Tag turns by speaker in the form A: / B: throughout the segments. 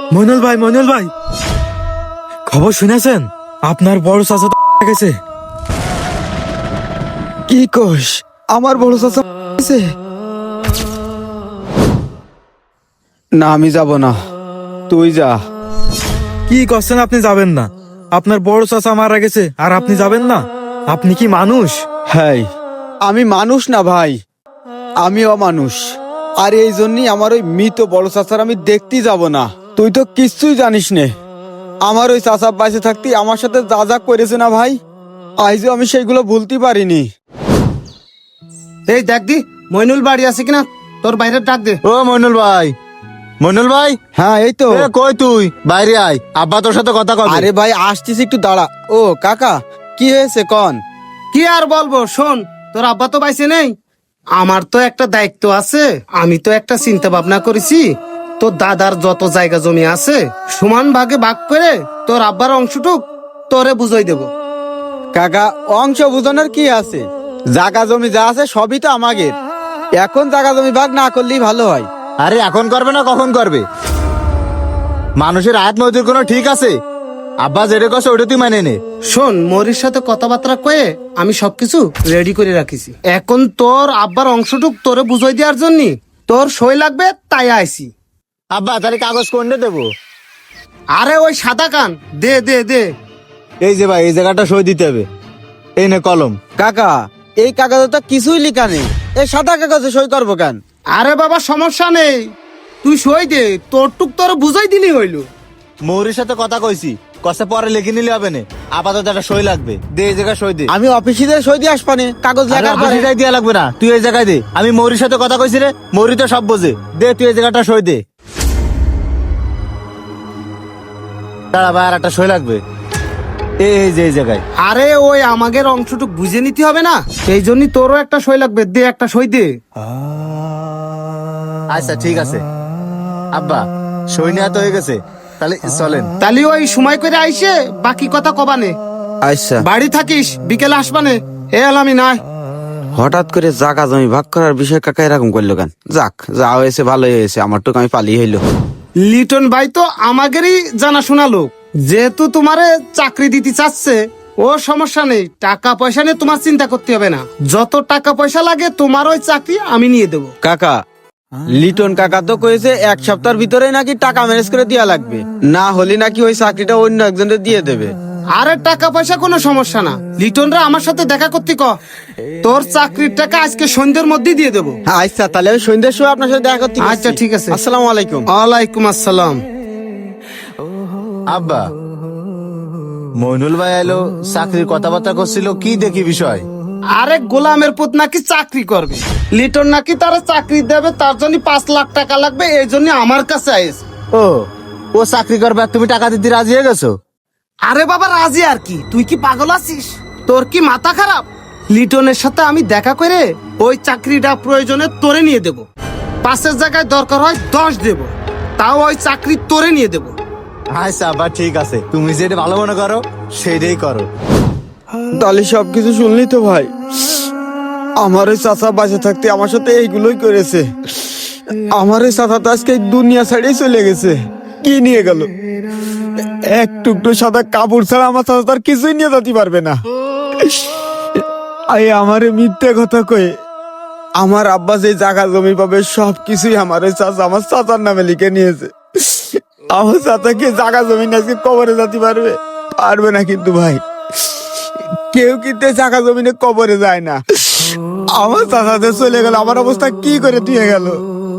A: মইনুল ভাই খবর শুনেছেন? আপনার বড় চাচা গেছে।
B: কি কোষ? আমার বড় চাচা গেছে? না, আমি যাব না, তুই যা।
A: কি করছেন? আপনি যাবেন না? আপনার বড় চাচা মারা গেছে আর আপনি যাবেন না? আপনি কি মানুষ?
B: হ্যাঁ, আমি মানুষ না ভাই, আমি অমানুষ। আর এই জন্যই আমার ওই মৃত বড় চাচার আমি দেখতেই যাব না। তুই তো কিচ্ছুই জানিস নে, আমার ওই চাচা বাইসে থাকতে আমার সাথে যা যা করেছে না ভাই, আজও আমি সেইগুলো ভুলতে পারিনি।
C: এই দেখ দি মইনুল বাড়ি আছে কিনা, তোর বাইরে ডাক দে।
D: ও মইনুল ভাই, মইনুল ভাই।
B: হ্যাঁ, এই তো।
D: কই তুই? বাইরে আয়, আব্বা তোর সাথে কথা কবে।
B: আরে ভাই আসতেছি, একটু দাঁড়া। ও কাকা, কি হয়েছে কন?
C: কি আর বলবো, শোন, তোর আব্বা তো বাইসে নেই, আমার তো একটা দায়িত্ব আছে। আমি তো একটা চিন্তা ভাবনা করেছি, তোর দাদার যত জায়গা জমি আছে সমান ভাগে ভাগ করে তোর আব্বার অংশটুক তোরে বুঝাই দেব।
B: কাকা, অংশ বুঝানোর কি আছে? জায়গা জমি যা আছে সবই তো আমাদের। এখন জায়গা জমি ভাগ না করলেই ভালো হয়।
D: আরে এখন করবে না কখন করবে? মানুষের আয়াত মজুর কোনো ঠিক আছে? আব্বা যেটা কছে ওটা তুই মানে নে।
C: শোন, মরির সাথে কথাবার্তা কয়ে আমি সবকিছু রেডি করে রাখিছি। এখন তোর আব্বার অংশটুক তোরে বুঝাই দেওয়ার জন্য তোর সই লাগবে, তাই আইছি।
D: আব্বা তাহলে কাগজ কোনটা দেবো?
C: আরে ওই সাদা কান দে দে দে।
D: এই যে ভাই, এই জায়গাটা সই দিতে হবে। এই নে কলম।
B: কাকা, এই কাগজে তো কিছুই লেখা নেই, এই সাদা কাগজে সই করবো কেন?
C: আরে বাবা সমস্যা নেই, তুই সই দে, তোর টুক তোর বুঝাই দিলি হইলো।
D: মৌরির সাথে কথা কইছি, কষে পরে লিখে নিলে হবে না, আপাতত একটা সই লাগবে। দে এই জায়গায় সই দে।
B: আমি অফিসে সই দিয়ে আসবানে, কাগজ লেখার পরে।
D: সেটাই দেওয়া লাগবে না, তুই এই জায়গায় দে। আমি মৌরির সাথে কথা কইছি রে, মৌরি তো সব বোঝে। দে তুই এই জায়গাটা সই দে। দাঁড়া ভাই, আর একটা সই লাগবে। এই যে এই জায়গায়।
C: আরে ওই আমাদের অংশটুক বুঝে নিতে হবে না, সেই জন্য তোরও একটা সই লাগবে, দে একটা সই দে।
D: আচ্ছা ঠিক আছে আব্বা, সই নেওয়া তো হয়ে গেছে, তাহলে চলেন।
C: তাহলে ওই সময় করে আইসে বাকি কথা কবানে।
B: আচ্ছা।
C: বাড়ি থাকিস, বিকেলে আসবানে। এ আলামি নাই।
B: হঠাৎ করে জায়গা জমি ভাগ করার বিষয় কাকা এরকম করলো কেন? যাক, যা হয়েছে ভালোই হয়েছে, আমার টুক আমি পালিয়ে হইলো।
C: লিটন ভাই তো আমাদেরই জানাশোনা লোক, যেহেতু তোমারে চাকরি দিতে চাচ্ছে, ও সমস্যা নেই, টাকা পয়সা নিয়ে তোমার চিন্তা করতে হবে না। যত টাকা পয়সা লাগে তোমার ওই চাকরি আমি নিয়ে দেবো।
B: কাকা, লিটন কাকা তো কয়েছে 1 সপ্তাহের ভিতরে নাকি টাকা ম্যানেজ করে দেওয়া লাগবে, না হলে নাকি ওই চাকরিটা অন্য একজনের দিয়ে দেবে।
C: আরে টাকা পয়সা কোনো সমস্যা না, লিটনরা আমার সাথে দেখা করতে ক, তোর চাকরির টাকা আজকে সন্ধ্যের মধ্যে দিয়ে দেবো।
B: আচ্ছা, তাহলে আমি সন্ধ্যার সময় আপনার সাথে দেখা করতে
C: আচ্ছা ঠিক আছে।
B: আসসালামু আলাইকুম।
C: ওয়ালাইকুম আসসালাম।
D: আব্বা, মইনুল ভাই এলো, চাকরির কথাবার্তা করছিল, কি দেখি বিষয়?
C: আরে গোলামের পুত নাকি চাকরি করবে, লিটন নাকি তারা চাকরি দেবে, তার জন্য 5 লাখ টাকা লাগবে, এই জন্য আমার কাছে আইস।
D: ও চাকরি করবে আর তুমি টাকা দিতে রাজি হয়ে গেছো?
C: আরে বাবা রাজি আর কি, তুই কি পাগল আছিস? তোর কি মাথা খারাপ? লিটনের সাথে আমি দেখা করে ওই চাকরিটা প্রয়োজনে তোরে নিয়ে দেব, 5-এর জায়গায় দরকার হয় 10 দেব, তাও ওই চাকরি তোরে নিয়ে দেব।
D: আচ্ছা আব্বা ঠিক আছে, তুমি যেটা ভালো মনে করো সেটাই করো।
B: তাহলে সবকিছু শুনলি তো ভাই, আমার ওই চাচা বাঁচে থাকতে আমার সাথে এইগুলোই করেছে। আমার ওই চাচা তো আজকে এই দুনিয়া ছাড়িয়ে চলে গেছে। কি নিয়ে গেল? এক টুকরো সাদা কাপড় ছাড়া আমার চাচা তার কিছুই নিয়ে যেতে পারবে না। আমার মিথ্যে কথা কয়ে আমার আব্বা যে জায়গা জমি পাবে সবকিছুই আমার ওই চাচা আমার চাচার নামে লিখে নিয়েছে। আমার চাচাকে জায়গা জমি আজকে কবরে যেতে পারবে? পারবে না কিন্তু ভাই, কেউ কিন্তু জায়গা জমিনে কবরে যায় না। আমার চাচাতে চলে গেল, আমার অবস্থা কি করে দিয়ে গেল?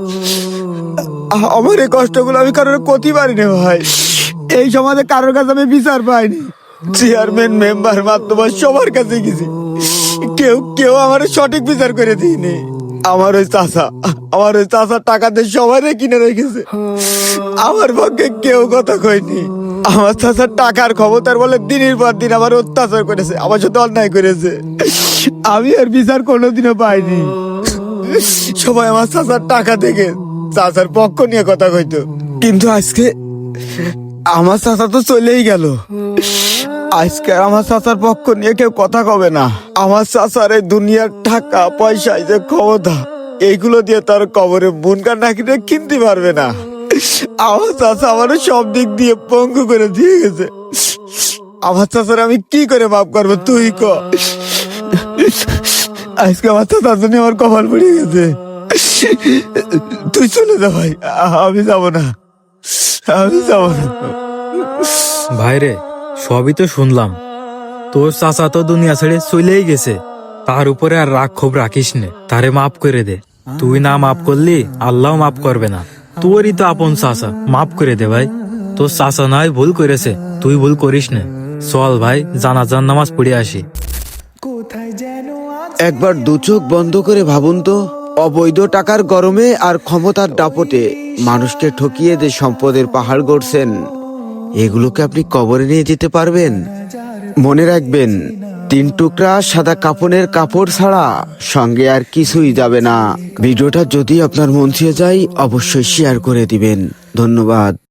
B: আমার এই কষ্টগুলো আমি কারোর করতে পারিনি ভাই। এই সমাজে কারোর কাছে আমি বিচার পাইনি, চেয়ারম্যান মেম্বার মাধ্যমে সবার কাছে গেছি, কেউ আমার সঠিক বিচার করে দিইনি। আমার ওই চাচা টাকা দিয়ে সবাই কিনে রেখেছে, আমার পক্ষে কেউ কথা কয়নি। আমার চাচার টাকার ক্ষমতার বলে দিনের পর দিন আমার অত্যাচার করেছে, আমার সাথে অন্যায় করেছে। আমি আর বিচার কোনোদিনও পাইনি। সবাই আমার চাচার টাকা থেকে চাচার পক্ষ নিয়ে কথা কইতো, কিন্তু আজকে আমার চাচা তো চলেই গেল। আজকে আমার চাচার পক্ষ নিয়ে কেউ কথা কবে না। আমার চাচার এই দুনিয়ার টাকা পয়সা, যে ক্ষমতা, এইগুলো দিয়ে তার কবরে বুনকার নাকি কিনতে পারবে না। আমার চাচা আমারও সব দিক দিয়ে পঙ্গু করে দিয়ে গেছে। আমার চাচার আমি কি করে মাফ করবো তুই ক। আজকে আমার চাচার জন্য আমার কপাল পড়ে গেছে। তুই চলে যা ভাই, আমি যাবো না, আমি যাবো না।
A: ভাইরে সবই তো শুনলাম, তোর চাচা তো দুনিয়া ছেড়ে চলেই গেছে, তার উপরে আর রাগ ক্ষোভ রাখিস নে, তারে মাফ করে দে। তুই না মাফ করলি আল্লাহ মাফ করবে না, তোরই তো আপন চাচা, মাফ করে দে ভাই। তোর চাচা নয় ভুল করেছে, তুই ভুল করিস নে। চল ভাই জানাজার নামাজ পড়ে আসি।
B: একবার দু চোখ বন্ধ করে ভাবুন তো, অবৈধ টাকার গরমে আর ক্ষমতার দাপটে মানুষকে ঠকিয়ে যে সম্পদের পাহাড় গড়ছেন, এগুলোকে আপনি কবরে নিয়ে যেতে পারবেন? মনে রাখবেন, 3 টুকরা সাদা কাপড়ের কাপড় ছাড়া সঙ্গে আর কিছুই যাবে না। ভিডিওটা যদি আপনার মন ছুঁয়ে যায় অবশ্যই শেয়ার করে দিবেন। ধন্যবাদ।